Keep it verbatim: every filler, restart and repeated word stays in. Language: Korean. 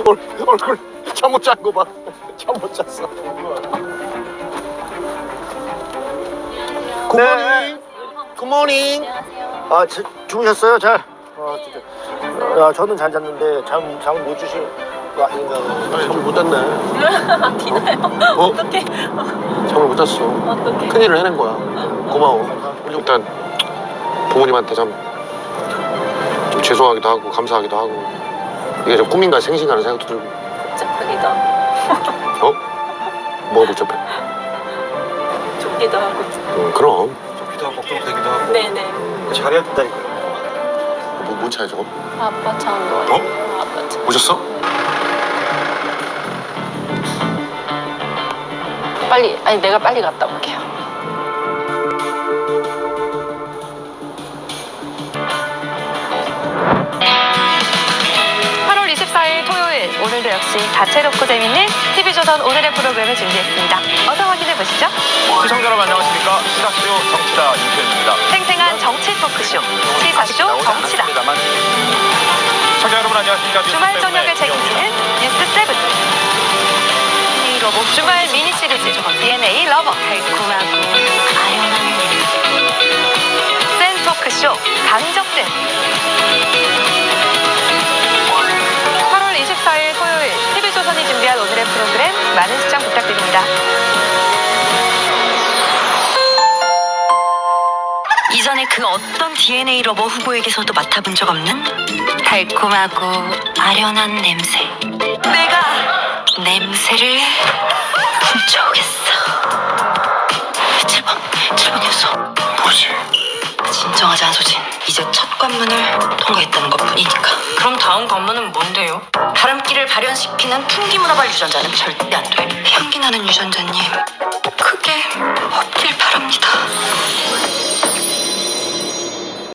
얼, 얼굴 잠못 잔 거 봐. 잠못 잤어. 굿모닝. 굿모닝. 아, 지, 주무셨어요? 잘? 아, 진짜. 야, 저는 잘 잤는데 잠, 잠을 못 주신 거 아닌가. 아니, 잠을 못 잤네. 티나요? 어? 어떡해. 잠을 못 잤어. 어떡해. 큰일을 해낸 거야. 고마워. 일단 부모님한테 참, 좀 죄송하기도 하고 감사하기도 하고 이게 좀 꿈인가 생신가라는 생각도 들고. 복잡하기도 하고 어? 뭐가 복잡해? 좋기도 하고. 음, 그럼 좋기도 하고 걱정되기도 하고 네네. 잘해야 된다니까요. 뭐, 뭔 차야 저거? 아빠 차인 거예요. 어? 아빠 차. 오셨어? 빨리, 아니 내가 빨리 갔다 올게요. 팔월 이십사일 토요일, 오늘도 역시 다채롭고 재밌는 티비조선 오늘의 프로그램을 준비했습니다. 어서 확인해 보시죠. 시청자 여러분 안녕하십니까. 시사쇼 정치다 윤표입니다. 생생한 정치 토크쇼, 시사쇼 정치다. 시청자 여러분 안녕하십니까. 주말 저녁을 책임지는 뉴스 세븐. 주말 미니 시리즈 디엔에이 러버. 달콤하고 아련한 센 토크쇼 강적들. 팔월 이십사일 토요일 티비조선이 준비한 오늘의 프로그램 많은 시청 부탁드립니다. 이전에 그 어떤 디엔에이 러버 후보에게서도 맡아본 적 없는 달콤하고 아련한 냄새. 내가 냄새를 훔쳐오겠어. 칠 번, 칠 번이었어. 뭐지? 진정하지 않소진. 이제 첫 관문을 통과했다는 것뿐이니까. 그럼 다음 관문은 뭔데요? 바람기를 발현시키는 풍기문화발 유전자는 절대 안 돼. 향기 나는 유전자님, 크게 없길 바랍니다.